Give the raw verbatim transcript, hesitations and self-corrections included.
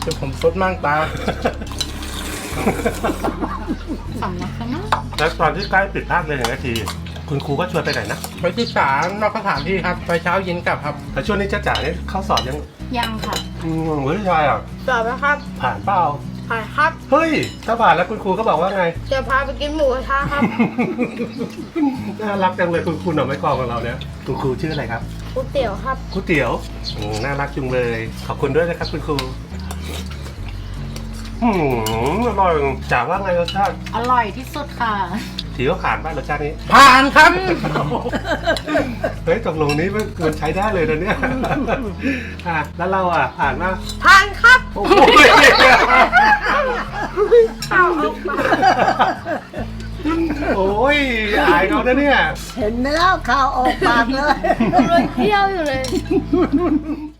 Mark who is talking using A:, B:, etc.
A: จะผมซดมั่งตา
B: สำลักกันนะ
C: แล้วตอนที่ใกล้ปิดภาคเรียนหนึ่งนาทีคุณครูก็ชวนไปไหนนะ
A: ไปศึกษานอกสถานที่ครับไปเช้าเย็นกลับครับ
C: แต่ช่วงนี้จ้าจ๋าเนี่ยเข้าสอบยัง
B: ยังค่ะ
C: อืมเฮ้ยชายอ่ะ
D: สอบแล้วครับ
C: ผ่านเปล่า
D: ผ่านครับ
C: เฮ้ยถ้าผ่านแล้วคุณครูก็บอกว่าไง
D: จะพาไปกินหมูกระทะครับ
C: น่ารักจังเลยคุณครูหน่อไม้กรองของเราเนี่ยคุณครูชื่ออะไรครับ
D: ก๋วยเตี๋ยวครับ
C: ก๋วยเตี๋ยวอืมน่ารักจังเลย ขอบคุณด้วยนะครับคุณครูอืมอร่อยจ๋าว่าไงรสชาติ
B: อร่อยที่สุดค่ะ
C: ถือว่าผ่านบ้านรสชาตินี้
A: ผ่านครับ
C: เฮ้ยตกลงนี้มันมันใช้ได้เลยนะเนี่ยอ่ะแล้วเราอ่ะผ่านมา
D: ผ่านครับ
C: โอ้โห
D: ข้าวเอาปาก
C: โอ้ยอายเขานะเนี่ย
E: เห็นไหมแล้วข่าวออกปากเลย
D: กำลังเที่ยวอยู่เลย